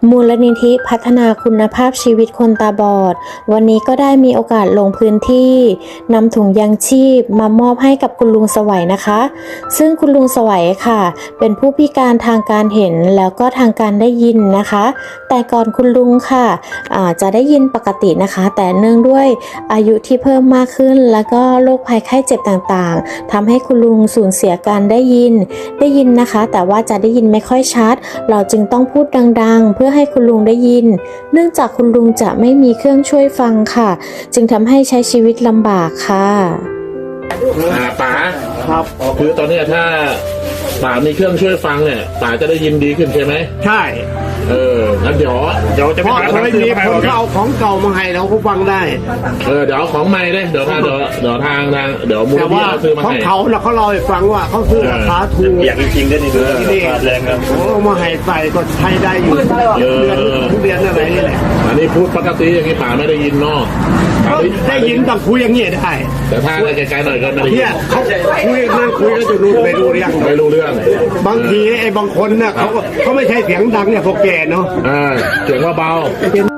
มูลนิธิพัฒนาคุณภาพชีวิตคนตาบอดวันนี้ก็ได้มีโอกาสลงพื้นที่นำถุงยางชีพมามอบให้กับคุณลุงสวัยนะคะ ซึ่งคุณลุงสวัยค่ะเป็นผู้พิการทางการเห็นแล้วก็ทางการได้ยินนะคะ แต่ก่อนคุณลุงค่ะจะได้ยินปกตินะคะ แต่เนื่องด้วยอายุที่เพิ่มมากขึ้นแล้วก็โรคภัยไข้เจ็บต่างๆทำให้คุณลุงสูญเสียการได้ยินนะคะ แต่ว่าจะได้ยินไม่ค่อยชัดเราจึงต้องพูดดังๆเพื่อให้คุณลุงได้ยินเนื่องจากคุณลุงจะไม่มีเครื่องช่วยฟังค่ะจึงทำให้ใช้ชีวิตลำบากค่ะป๋าครับคือตอนนี้ถ้าป๋ามีเครื่องช่วยฟังเนี่ยป๋าจะได้ยินดีขึ้นใช่ไหมใช่งั้นเดี๋ยวจะเพราะเคยมีคนเอาของเก่ามาให้เราก็ฟังได้เดี๋ยวเอาของใหม่เลยเดี๋ยวทางเดี๋ยวมูลนิธิซื้อมาให้ของเขาแล้วเขาเล่าให้ฟังว่าเขาซื้อราคาถูกอย่างจริงๆก็นี่แรงครับเอามาให้ใส่ก็ใช้ได้อยู่เดือนอะไรนี่แหละอันนี้พูดปกติอย่างนี้ป๋าไม่ได้ยินเนาะได้ยินต้องคุยอย่างนี้ได้แต่ถ้าไกลๆหน่อยก็ไม่ได้ยินเขาคุยนั่นคุยแล้วจะรู้ไม่รู้เรื่องบางทีไอ้บางคนเนี่ยเขาไม่ใช่เสียงดังเนี่ยพวกแกเนาะเสียงว่าเบา